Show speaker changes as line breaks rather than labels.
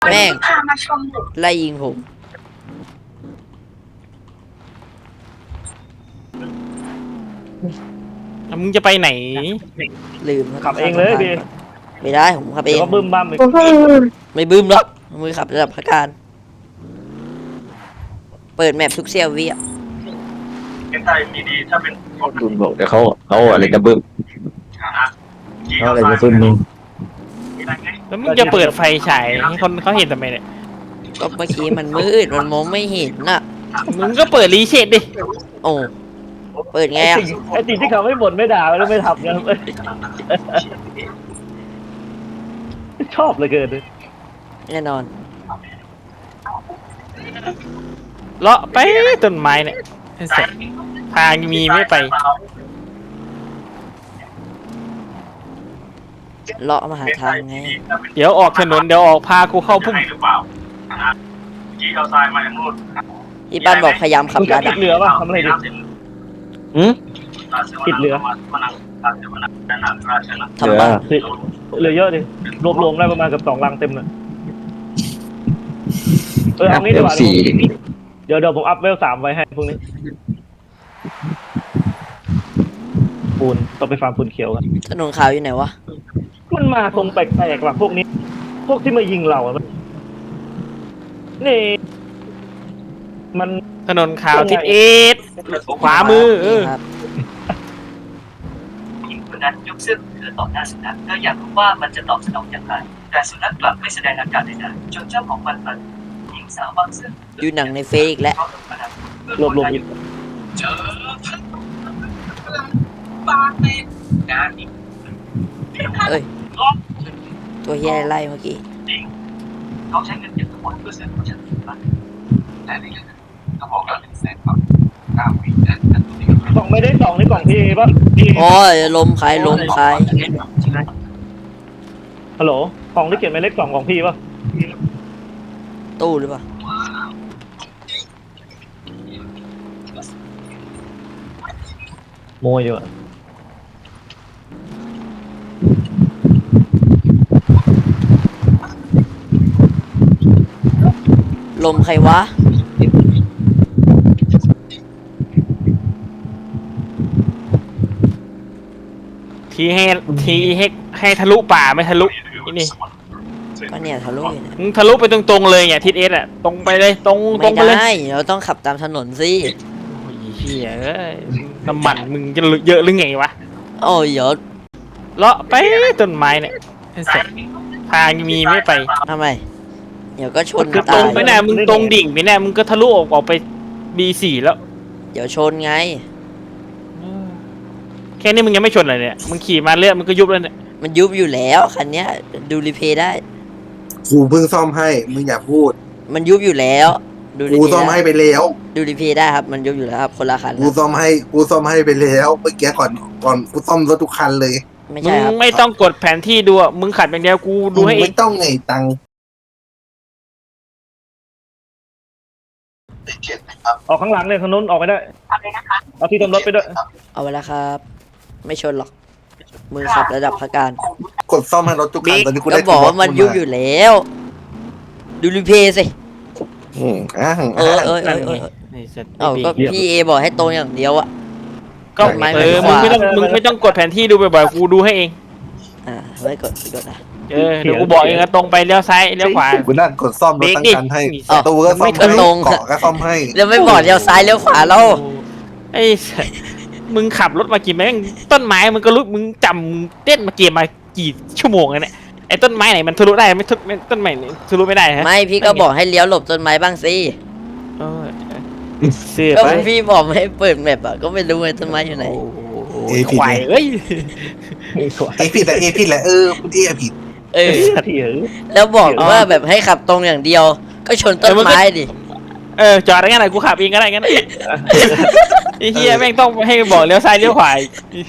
แม่ง
พามาชมหนู
ไล่ยิงผม
มึงจะไปไหน
ลืม
ขับเองเลยดิ
ไม่ได้ผมขับเอ
เดี๋ยว
ง
ก็บึ้มบ้ามอีก
ไม่บึ้มหรอกมือขับระดับพักการ เปิดแมปทุกเซียววิอ่ะ
เป็นไทยมีดีถ้าเป็น
บึ้มบอกเดี๋ยวเขาอะไรจะบึ้มเขาอะไรจะบึ้มมึง
แล้วมึงจะเปิดไฟฉายให้คนเขาเห็นทำไมเนี่ย
ก็เมื่อกี้มันมืดมันมองไม่เห็นน่ะ
มึงก็เปิดรีเชดดิ
โอ้เปิดไงอ่ะ
ไอ้สิ่งที่เขาไม่บ่นไม่ด่าแล้วไม่ทำกันชอบเหลยเกิน
แน่นอน
เลาะไปต้นไม้เนี่ยเสร็จทางมีไม่ไป
เลาะมาหาทางไง
เดี๋ยวออกถนนเดี๋ยวออกพากูเข้าพุ่ม
หรือเปล่าจี้เอาทรายมาอย่างนู้น
พี่ปั้นบอกพยายามขับ
มึงจะ
ลัด
ติ
อ่ะ
ดเรือป่ะทำอะไรดิ ติดเรือ
ทำบ้าน
เรือเยอะดิรวมๆได้ประมาณกับ2 ลังเต็มเลยเอางี้ดีกว่า
สี่
เดี๋ยวผมอัพเวล 3ไว้ให้พวกนี้ปูนต้องไปฟาร์มปูนเขียวกัน
ถนนขาวอยู่ไหนวะ
มันมาทรงแปลกๆว่ะพวกนี้ พวกที่มายิงเราอะนี่ มัน
ถนนขาวทิศเอสขวามือ
นี่ครับ
หญิงคนนั้นยกเสื้อของเธอต่อหน้าสุนัขเธออยากรู้ว่ามันจะตอบสนองอย่างไรแต่สุนัขกลับไม่แสดงอาการใดๆจนเจ้าของมันหญิงสาวบางซึ่ง
ดูหนังในเฟซอีกแล้ว
รวมๆอีก
เจอ
ปาเป็น
งานอีก
เอ้ยตัวเฮียไล่เมื่อกี้
เขาใช้เงินเก็บทั้งหมดเพื่อซื้อผู้จัดการแต่ในเงินเขาบอกเรา100,000 บาท9 ปีแต่ตัวนี้
กล่องไม่ได้2นี่กล่องพี่ป่ะ
โอ้ยลมขายลมขาย
ฮัลโหลกล่องที่เขียนหมายเลข2ของพี่ป่ะ
ตู้หรือเปล่า
โมยอยู่อะ
ลมใครวะ
ทีให้ทะลุป่าไม่ทะลุนี่
ก็เนี่ยทะลุอยู่เนี่ย
มึงทะลุไปตรงๆเลยเนี่ยทิศเอสอ่ะตรงไปเลยตรง
ไม่
ไปเลย
ได้เราต้องขับตามถนนสิ
โอ้ยเฮียเอ้ยน้ำมันมึงจะเยอะหรือไงวะ
โอ้ยเดี๋ยว
เลาะไปต้นไม้เนี่ยเสร็จทางมีไม่ไป
ทำไม เดี๋ยวก็ชน
คือต
ตา
รง
ย
ไปแน่มึงตรงดิ่งไปแน่มึงก็ทะลุออกไป B4 แล้ว
เดี๋ยวชนไง
แค่นี้มึงยังไม่ชนเลยเนี่ยมึงขี่มาเรื่อยมึงก็ยุบแล้วเนี่ย
มันยุบอยู่แล้วคันเนี้ยดูรีเพย์ได้
กูเพิ่งซ่อมให้ มึงอย่าพูด
มันยุบอยู่แล้ว ดูรี
กู
เพ
ซ่อม
ย์ได้
ให้ไปแล้ว
ดูรีเพย์ได้ครับ มันยุบอยู่แล้วครับคนละคัน
กู
นะ
ซ่อมให้ไปแล้วเมื่อกี้ก่อนกูซ่อมรถทุกคันเลย
ไม่
มึ
ใช่
ง
ครับ
ไม่ต้องกดแผนที่ดูอะมึงขัดอย่างเดียวกูดูให้เอ
ไม่
ง
ต้องไงตังค์
ออกข้างหลังเนี่ยถนนออกไม่ได้
ทำเลยนะคะ
เอาที่ทำรถไปด้วย
เอาไว้แล้วครับ ไม่ชนหรอก มือขับระดับพักการ
กดซ่อมให้รถทุกคันตอนนี้กู
ก็
ได้
บอกว่ามันยุบอยู่แล้ว ดูรีเพย์สิ
อืมอ่ะ
เออ
ไอ้สัตว์
เอ้าก็พี่เอบอกให้ตรงอย่างเดียวอะ
ก็
ไม่
มึงไม่ต้องกดแผนที่ดูบ่อยๆกูดูให้เอง
ไว้กดนะ
เดี๋ยวกูบอกเองนะตรงไปเลี้ยวซ้ายเลี้ยวขวา
กูนั่งกดซ่อมรถทั้งคันให้
อ้าว
ตัวก็ซ่อม
ไม่
ให้
ตรง
เกาะก็ซ่อมให้
แล้วไม่บอกเลี้ยวซ้ายเลี้ยวขวาแล้ว
ไอ้สัตว์มึงขับรถมากี่แม่งต้นไม้มึงก็รู้มึงจำเต้นมาเกมมากี่ชั่วโมงแล้วเนี่ยไอ้ต้นไม้ไหนมันทะลุได้ไม่ต้นไม้ไหนทะลุไม่ได้ฮะ
ไม่พี่ก็บอกให้เลี้ยวหลบต้นไม้บ้างสิ
เออเสือ
ก็
ไป
พี่บอกไม่ให้เปิดแมปอะก็ไม่รู้ไงต้นไม้อยู่ไหน
เอผิด
ควายเอ้ย
เอผิดแหละเอผิดแหละพูดเอผิด
เออ
ที่เออ
แล้วบอกว่าแบบให้ขับตรงอย่างเดียว ก็ชนต้นไม้ดิ
จอดได้งั้นไหนกูขับเองก็ได้งั้นไอ้เฮียแม่งต้องให้บอกเลี้ยวซ้ายเลี้ยวขวาอีก